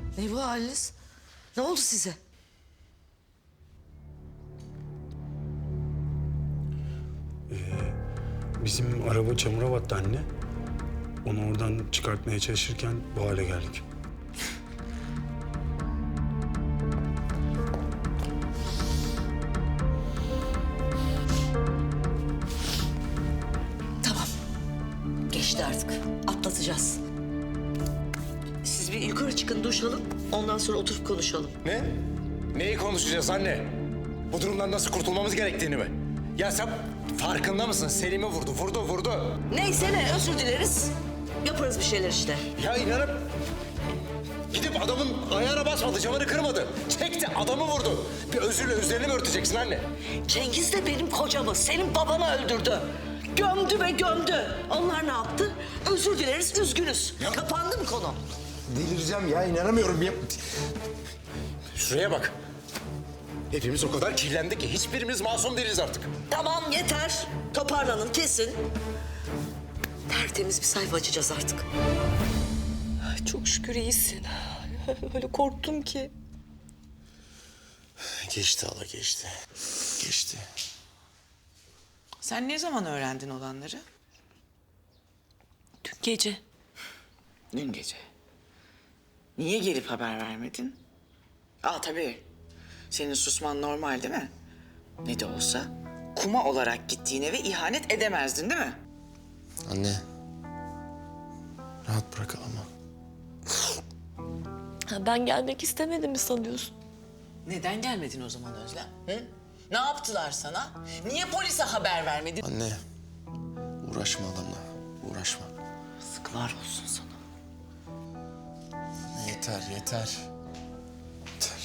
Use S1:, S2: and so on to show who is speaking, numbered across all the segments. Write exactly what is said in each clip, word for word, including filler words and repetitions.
S1: Ne bu haliniz? Ne oldu size?
S2: Bizim araba çamura battı anne. Onu oradan çıkartmaya çalışırken bu hale geldik.
S1: Tamam. Geçti artık. Atlatacağız. Siz bir yukarı çıkın, duş alın. Ondan sonra oturup konuşalım.
S3: Ne? Neyi konuşacağız anne? Bu durumdan nasıl kurtulmamız gerektiğini mi? Ya sen farkında mısın? Selim'i vurdu, vurdu, vurdu.
S1: Neyse ne, özür dileriz. Yaparız bir şeyler işte.
S3: Ya inanıp gidip adamın ayağına basmadı, camını kırmadı. Çekti, adamı vurdu. Bir özürle üzerini mi örteceksin anne?
S1: Cengiz de benim kocamı, senin babanı öldürdü. Gömdü ve gömdü. Onlar ne yaptı? Özür dileriz, üzgünüz.
S3: Ya-
S1: Kapandı mı konu?
S3: Delireceğim ya, inanamıyorum ya. Şuraya bak. Hepimiz o kadar kirlendik ki hiçbirimiz masum değiliz artık.
S1: Tamam, yeter. Toparlanın, kesin. Tertemiz bir sayfa açacağız artık.
S4: Ay, çok şükür iyisin. Öyle korktum ki.
S3: Geçti hala, geçti. Geçti.
S5: Sen ne zaman öğrendin olanları?
S4: Dün gece.
S5: Dün gece. Niye gelip haber vermedin? Aa tabii. Senin susman normal değil mi? Ne de olsa kuma olarak gittiğin eve ihanet edemezdin değil mi?
S6: Anne. Rahat bırak ama.
S4: Ha, ben gelmek istemedim mi sanıyorsun?
S5: Neden gelmedin o zaman Özlem? Hı? Ne yaptılar sana? Niye polise haber vermedin?
S6: Anne. Uğraşma adamla. Uğraşma.
S5: Yazıklar olsun sana.
S6: Yeter, yeter. Yeter.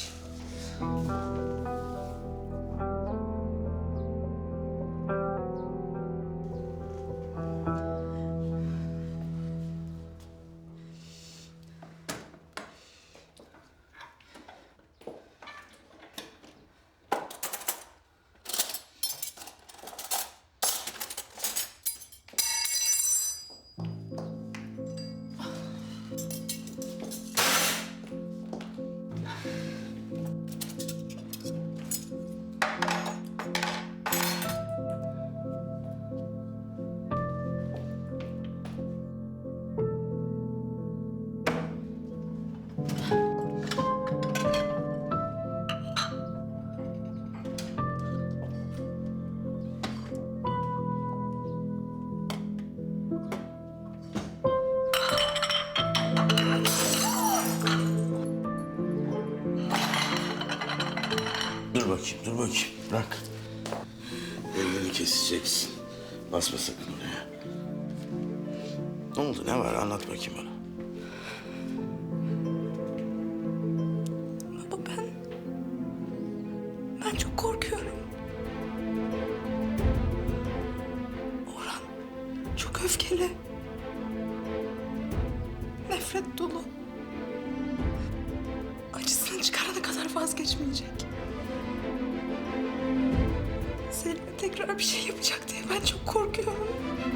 S7: Dur bakayım, dur bakayım. Bırak. Elini keseceksin. Basma sakın oraya. Ne oldu, ne var? Anlat bakayım bana.
S4: Baba ben... Ben çok korkuyorum. Orhan çok öfkeli. Nefret dolu. Acısını çıkarana kadar vazgeçmeyecek. Selim'e tekrar bir şey yapacak diye ben çok korkuyorum.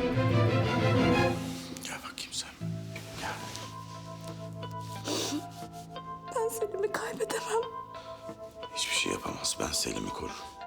S7: Gel bakayım sen. Gel.
S4: Ben Selim'i kaybedemem.
S7: Hiçbir şey yapamaz. Ben Selim'i korurum.